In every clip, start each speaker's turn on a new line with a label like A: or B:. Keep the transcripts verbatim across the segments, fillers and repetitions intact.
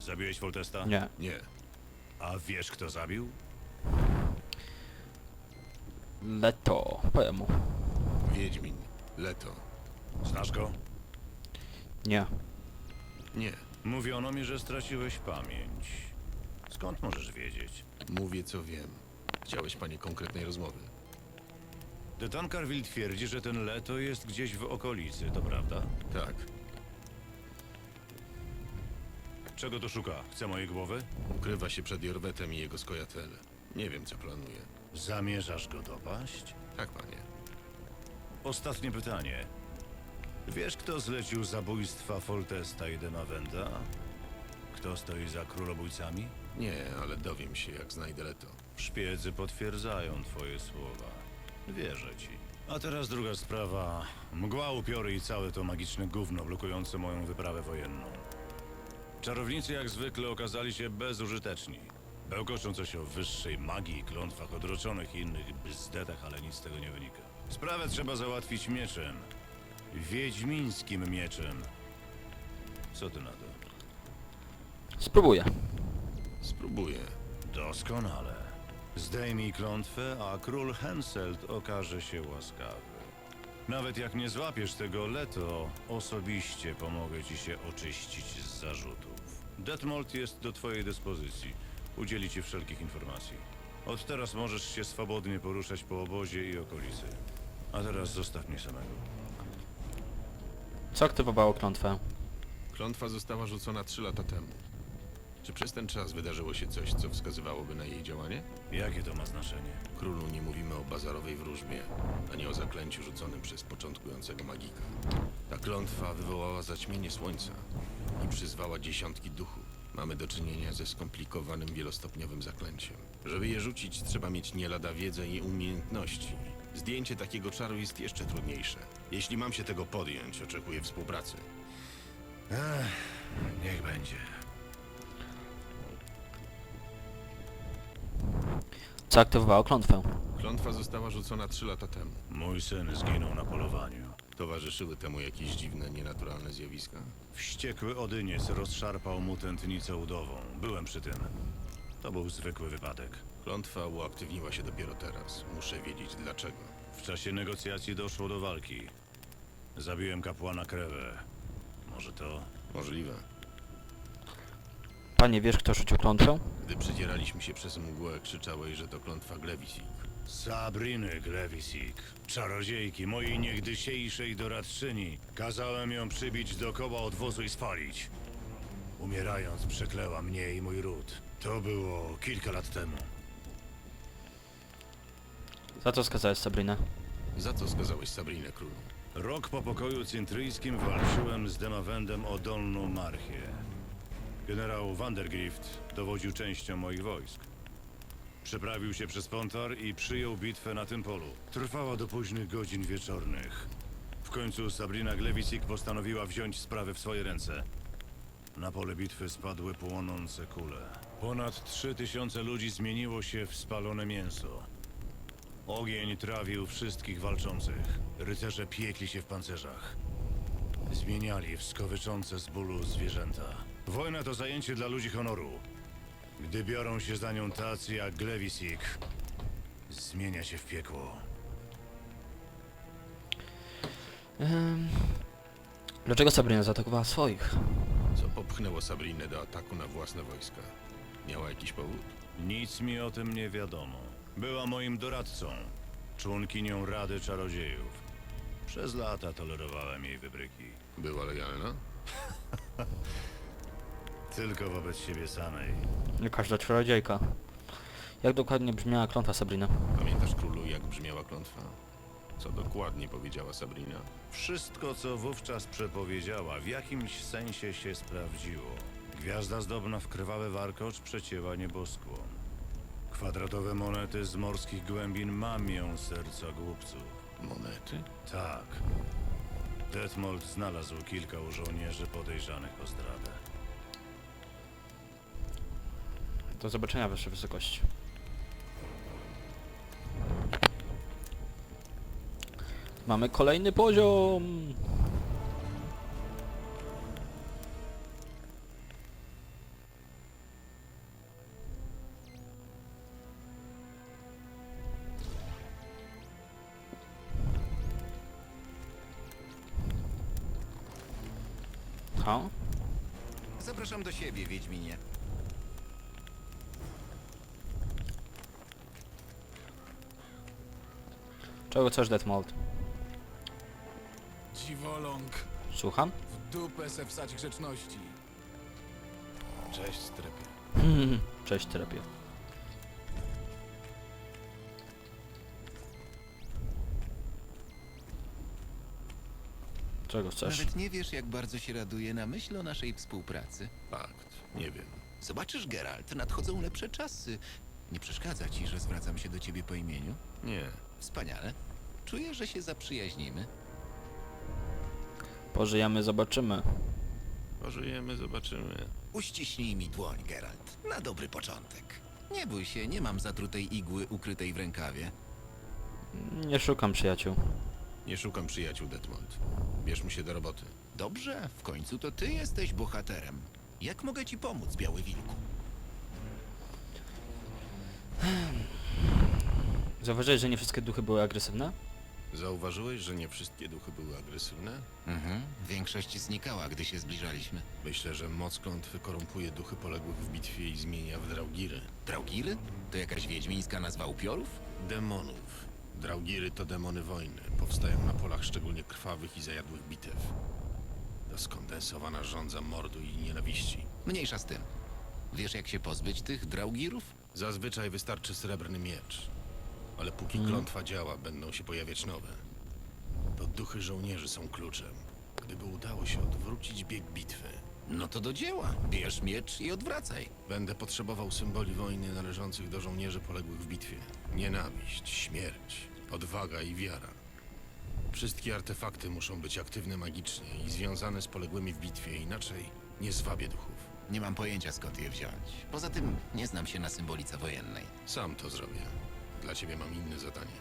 A: Zabiłeś Foltesta?
B: Nie.
C: Nie.
A: A wiesz, kto zabił?
B: Leto. Powiem mu.
C: Wiedźmin. Leto.
A: Znasz go?
B: Nie.
C: Nie.
A: Mówiono mi, że straciłeś pamięć. Skąd możesz wiedzieć?
C: Mówię, co wiem. Chciałeś, panie, konkretnej rozmowy.
A: De Tancarville twierdzi, że ten Leto jest gdzieś w okolicy, to prawda?
C: Tak.
A: Czego to szuka? Chce mojej głowy?
C: Ukrywa się przed Jorwetem i jego skojatel. Nie wiem, co planuje.
A: Zamierzasz go dopaść?
C: Tak, panie.
A: Ostatnie pytanie. Wiesz, kto zlecił zabójstwa Foltesta i Demavenda? Kto stoi za królobójcami?
C: Nie, ale dowiem się, jak znajdę Leto.
A: Szpiedzy potwierdzają twoje słowa. Wierzę ci. A teraz druga sprawa. Mgła, upiory i całe to magiczne gówno blokujące moją wyprawę wojenną. Czarownicy jak zwykle okazali się bezużyteczni. Bełkoczą coś o wyższej magii, klątwach odroczonych i innych bzdetach, ale nic z tego nie wynika. Sprawę trzeba załatwić mieczem. Wiedźmińskim mieczem. Co ty na to?
B: Spróbuję.
C: Spróbuję.
A: Doskonale. Zdejmij klątwę, a król Henselt okaże się łaskawy. Nawet jak nie złapiesz tego Leto, osobiście pomogę ci się oczyścić z zarzutów. Detmold jest do twojej dyspozycji. Udzieli ci wszelkich informacji. Od teraz możesz się swobodnie poruszać po obozie i okolicy. A teraz zostaw mnie samego.
B: Co aktywowało klątwę?
C: Klątwa została rzucona trzy lata temu. Czy przez ten czas wydarzyło się coś, co wskazywałoby na jej działanie?
A: Jakie to ma znaczenie?
C: Królu, nie mówimy o bazarowej wróżbie, ani o zaklęciu rzuconym przez początkującego magika. Ta klątwa wywołała zaćmienie słońca i przyzwała dziesiątki duchów. Mamy do czynienia ze skomplikowanym wielostopniowym zaklęciem. Żeby je rzucić, trzeba mieć nie lada wiedzę i umiejętności. Zdjęcie takiego czaru jest jeszcze trudniejsze. Jeśli mam się tego podjąć, oczekuję współpracy.
A: Ech, niech będzie.
B: Co aktywowało klątwę?
C: Klątwa została rzucona trzy lata temu.
A: Mój syn zginął na polowaniu.
C: Towarzyszyły temu jakieś dziwne, nienaturalne zjawiska?
A: Wściekły Odyniec rozszarpał mu tętnicę udową. Byłem przy tym. To był zwykły wypadek.
C: Klątwa uaktywniła się dopiero teraz. Muszę wiedzieć dlaczego.
A: W czasie negocjacji doszło do walki. Zabiłem kapłana Krewę. Może to...
C: Możliwe.
B: Panie, wiesz, kto rzucił klątwę?
C: Gdy przedzieraliśmy się przez mgłę, krzyczałeś, że to klątwa Glewisik.
A: Sabriny Glewisik, czarodziejki, mojej niegdysiejszej doradczyni. Kazałem ją przybić do koła odwozu i spalić. Umierając przekleła mnie i mój ród. To było kilka lat temu.
B: Za co skazałeś Sabrinę?
C: Za co skazałeś Sabrinę, królu?
A: Rok po pokoju cintryjskim walczyłem z Demavendem o Dolną Marchię. Generał Vandergrift dowodził częścią moich wojsk. Przeprawił się przez Pontar i przyjął bitwę na tym polu. Trwała do późnych godzin wieczornych. W końcu Sabrina Glewisik postanowiła wziąć sprawy w swoje ręce. Na pole bitwy spadły płonące kule. Ponad trzy tysiące ludzi zmieniło się w spalone mięso. Ogień trawił wszystkich walczących. Rycerze piekli się w pancerzach. Zmieniali w skowyczące z bólu zwierzęta. Wojna to zajęcie dla ludzi honoru. Gdy biorą się za nią tacy jak Glewisik, zmienia się w piekło.
B: Ehm... Dlaczego Sabrina zaatakowała swoich?
C: Co popchnęło Sabrinę do ataku na własne wojska? Miała jakiś powód?
A: Nic mi o tym nie wiadomo. Była moim doradcą, członkinią Rady Czarodziejów. Przez lata tolerowałem jej wybryki.
C: Była lojalna?
A: Tylko wobec siebie samej.
B: Nie każda czarodziejka. Jak dokładnie brzmiała klątwa Sabrina?
C: Pamiętasz, królu, jak brzmiała klątwa? Co dokładnie powiedziała Sabrina?
A: Wszystko, co wówczas przepowiedziała, w jakimś sensie się sprawdziło. Gwiazda zdobna w krwawy warkocz przecięła nieboskłon. Kwadratowe monety z morskich głębin mamią serca głupców.
C: Monety?
A: Tak. Detmold znalazł kilka u żołnierzy podejrzanych o zdradę.
B: Do zobaczenia, Wasza Wysokość. Mamy kolejny poziom! Aha.
D: Zapraszam do siebie, Wiedźminie.
B: Czego chcesz, Detmold?
E: Dziwoląg,
B: Słucham?
E: w dupę se wsać grzeczności.
C: Cześć, strepie.
B: Cześć, terapia. Czego chcesz?
D: Nawet nie wiesz, jak bardzo się raduję na myśl o naszej współpracy.
C: Fakt, nie wiem.
D: Zobaczysz, Geralt, nadchodzą lepsze czasy. Nie przeszkadza ci, że zwracam się do ciebie po imieniu?
C: Nie.
D: Wspaniale. Czuję, że się zaprzyjaźnimy.
B: Pożyjemy, zobaczymy.
C: Pożyjemy, zobaczymy.
D: Uściśnij mi dłoń, Geralt. Na dobry początek. Nie bój się, nie mam zatrutej igły ukrytej w rękawie.
B: Nie szukam przyjaciół.
C: Nie szukam przyjaciół, Detmold. Bierzmy się do roboty.
D: Dobrze, w końcu to ty jesteś bohaterem. Jak mogę ci pomóc, Biały Wilku?
B: Zauważyłeś, że nie wszystkie duchy były agresywne?
C: Zauważyłeś, że nie wszystkie duchy były agresywne?
D: Mhm. Większość znikała, gdy się zbliżaliśmy.
C: Myślę, że moc klątwy korumpuje duchy poległych w bitwie i zmienia w draugiry.
D: Draugiry? To jakaś wiedźmińska nazwa upiorów?
C: Demonów. Draugiry to demony wojny. Powstają na polach szczególnie krwawych i zajadłych bitew. To skondensowana żądza mordu i nienawiści.
D: Mniejsza z tym. Wiesz, jak się pozbyć tych draugirów?
C: Zazwyczaj wystarczy srebrny miecz. Ale póki
B: Mhm.
C: klątwa działa, będą się pojawiać nowe. To duchy żołnierzy są kluczem. Gdyby udało się odwrócić bieg bitwy,
D: No to do dzieła. Bierz miecz i odwracaj.
C: będę potrzebował symboli wojny należących do żołnierzy poległych w bitwie. Nienawiść, śmierć, odwaga i wiara. Wszystkie artefakty muszą być aktywne magicznie i związane z poległymi w bitwie, inaczej nie zwabię duchów.
D: Nie mam pojęcia, skąd je wziąć. Poza tym nie znam się na symbolice wojennej.
C: Sam to zrobię. Dla ciebie mam inne zadanie.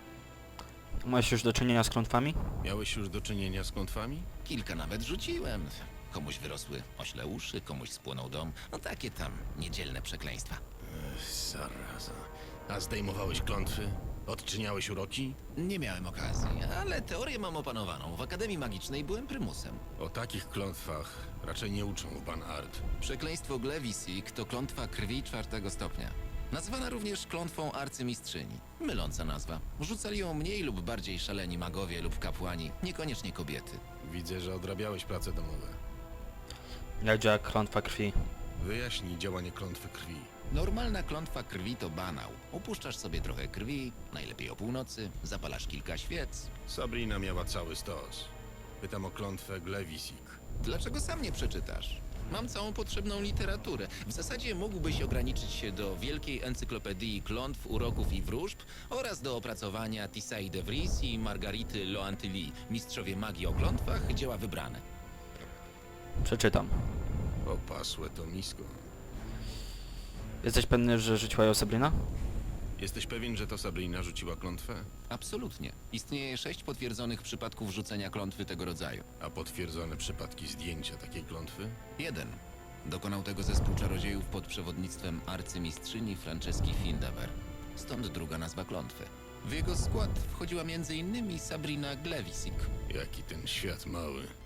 B: Masz już do czynienia z klątwami?
C: Miałeś już do czynienia z klątwami?
D: Kilka nawet rzuciłem. Komuś wyrosły ośle uszy, komuś spłonął dom. No takie tam niedzielne przekleństwa.
C: Zaraza. A zdejmowałeś klątwy? Odczyniałeś uroki?
D: Nie miałem okazji, ale teorię mam opanowaną. W Akademii Magicznej byłem prymusem.
C: O takich klątwach raczej nie uczą w Banart.
D: Przekleństwo Glewisik to klątwa krwi czwartego stopnia. Nazwana również klątwą arcymistrzyni. Myląca nazwa. Rzucali ją mniej lub bardziej szaleni magowie lub kapłani, niekoniecznie kobiety.
C: Widzę, że odrabiałeś prace domowe.
B: Jak działa klątwa krwi?
C: Wyjaśnij działanie klątwy krwi.
D: Normalna klątwa krwi to banał. Upuszczasz sobie trochę krwi, najlepiej o północy, zapalasz kilka świec.
C: Sabrina miała cały stos. Pytam o klątwę Glewisik.
D: Dlaczego sam nie przeczytasz? Mam całą potrzebną literaturę. W zasadzie mógłbyś ograniczyć się do wielkiej encyklopedii klątw, uroków i wróżb oraz do opracowania Tissaï de Vries i Margarity Loantilly, mistrzowie magii o klątwach, dzieła wybrane.
B: Przeczytam.
C: Opasłe to nisko.
B: Jesteś pewny, że rzuciła ją Sabrina?
C: Jesteś pewien, że to Sabrina rzuciła klątwę?
D: Absolutnie. Istnieje sześć potwierdzonych przypadków rzucenia klątwy tego rodzaju.
C: A potwierdzone przypadki zdjęcia takiej klątwy?
D: Jeden. Dokonał tego zespół czarodziejów pod przewodnictwem arcymistrzyni Franceski Findaver. Stąd druga nazwa klątwy. W jego skład wchodziła między innymi Sabrina Glewisik.
C: Jaki ten świat mały.